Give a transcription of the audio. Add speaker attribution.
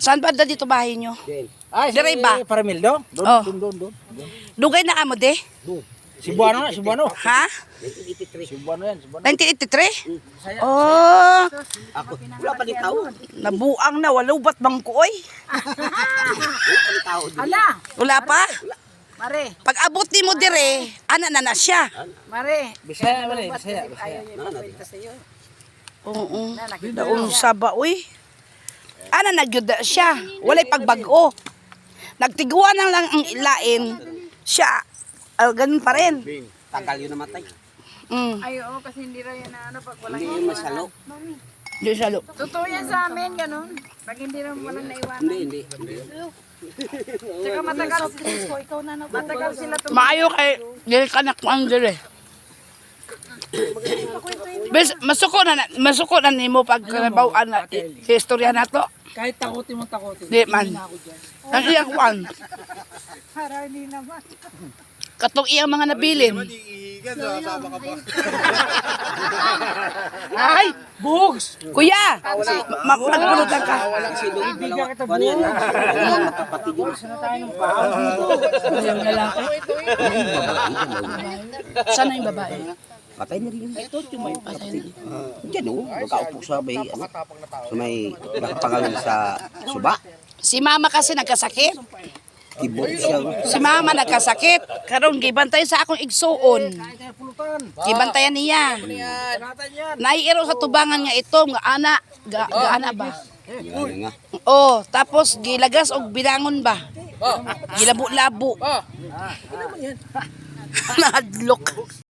Speaker 1: Saan ba dito bahay nyo?
Speaker 2: Ay, si
Speaker 1: Dire ba?
Speaker 2: Paramildo? Doon,
Speaker 1: Oh.
Speaker 2: doon.
Speaker 1: Dugay na amo de?
Speaker 2: Cebuano na, Cebuano.
Speaker 1: Ha?
Speaker 2: Cebuano yan, Cebuano.
Speaker 1: 1983? Oh,
Speaker 3: Ako, wala pa din tao.
Speaker 1: nabuang na. Walubat bang kuoy?
Speaker 4: Ala,
Speaker 1: Wala pa?
Speaker 4: mare,
Speaker 1: Pag abot ni mo dire, ana na siya.
Speaker 4: mare.
Speaker 2: Bisaya, mali, Bisaya.
Speaker 4: Ayaw niya ipapalita sa'yo.
Speaker 1: Oo.
Speaker 4: Na, nakita
Speaker 1: Daon sa ba, uy. Ana nagyuda siya. Walay pagbago. Nagtiguan lang ang ilain. Siya, ganun pa rin.
Speaker 3: Tagal yun namatay.
Speaker 4: Ay, oo, kasi hindi raw yan na ano, pag walang
Speaker 3: Hindi yung masalo.
Speaker 1: Di siya lo.
Speaker 4: Totoo yan sa amin, ganun. Pag hindi raw walang naiwanan.
Speaker 3: Hindi.
Speaker 4: Tsaka matagal, matagal sila
Speaker 1: Maayo kay dili ka nakuan dire. Bes masuko na nimo pag kanabaw-an na istorya nato.
Speaker 2: Kahit takutin mo, takutin.
Speaker 1: Di man. Ang iyang kuan.
Speaker 4: Para hindi naman.
Speaker 1: Katong iyang mga nabilin. Ay, bugs. Kuya, magpulutan ka.
Speaker 3: Walang silong. Ano yan? Magkapatid yun.
Speaker 1: Yung lalaki. Sana yung babae.
Speaker 3: Patay na rin. Ito, yung may patay. Diyan o, magkaupo sa may, sa may nakapangalan sa suba.
Speaker 1: Si mama kasi nagkasakit.
Speaker 3: Kibot siya.
Speaker 1: Si mama nagkasakit. Karon gibantayan sa akong igsuon. Gibantayan niya. Naiiro sa tubangan nga ito, nga ana, ana ba?
Speaker 3: Yan nga.
Speaker 1: Oh, tapos gilagas og binangon ba? Gilabo-labo. Nahadlok.